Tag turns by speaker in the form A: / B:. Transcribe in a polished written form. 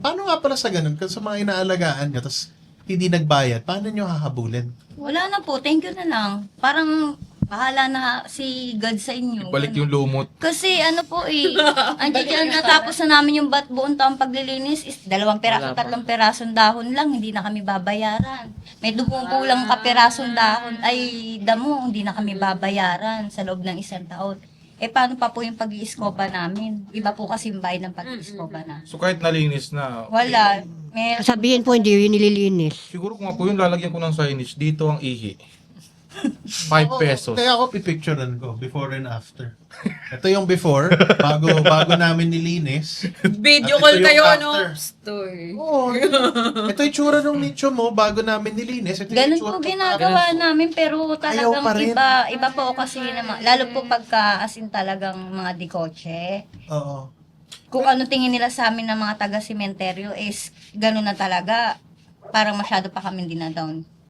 A: Paano nga pala sa ganun? Kasi sa mga inaalagaan nyo, tapos hindi nagbayad, paano nyo hahabulin?
B: Wala na po, thank you na lang. Parang bahala na si God sa inyo.
C: Ibalik yung
B: Ganun.
C: lumot.
B: Kasi ano po andiyan dyan, natapos na namin yung buong taong paglilinis is 2 peraso, 3 perasong dahon lang, hindi na kami babayaran. May dumupulang kapirasong dahon, ay damo, hindi na kami babayaran sa loob ng 1 taon. Paano pa po yung pag-iiskoba namin? Iba po kasi yung bayad ng pag-iiskoba na.
C: So kahit nalinis na,
B: Wala.
D: Sabihin po, hindi yun nililinis.
C: siguro kung ako yung lalagyan ko ng signage, dito ang ihi. 5 pesos.
A: Kaya ako pipicturean ko, before and after. Ito yung before, bago namin nilinis.
E: Video
A: At ito
E: call
A: yung
E: kayo,
A: after.
E: no? Story.
A: Oo. Ito yung tsura ng nicho mo bago namin nilinis. Ito yung
B: Ganun
A: itsura
B: po
A: ko
B: ginagawa namin pero talagang
A: pa rin.
B: iba po kasi naman. Lalo po pagka asin talagang mga dikotse.
A: Oo.
B: Kung ano tingin nila sa amin ng mga taga-sementeryo is ganun na talaga. Parang masyado pa kami dinadown.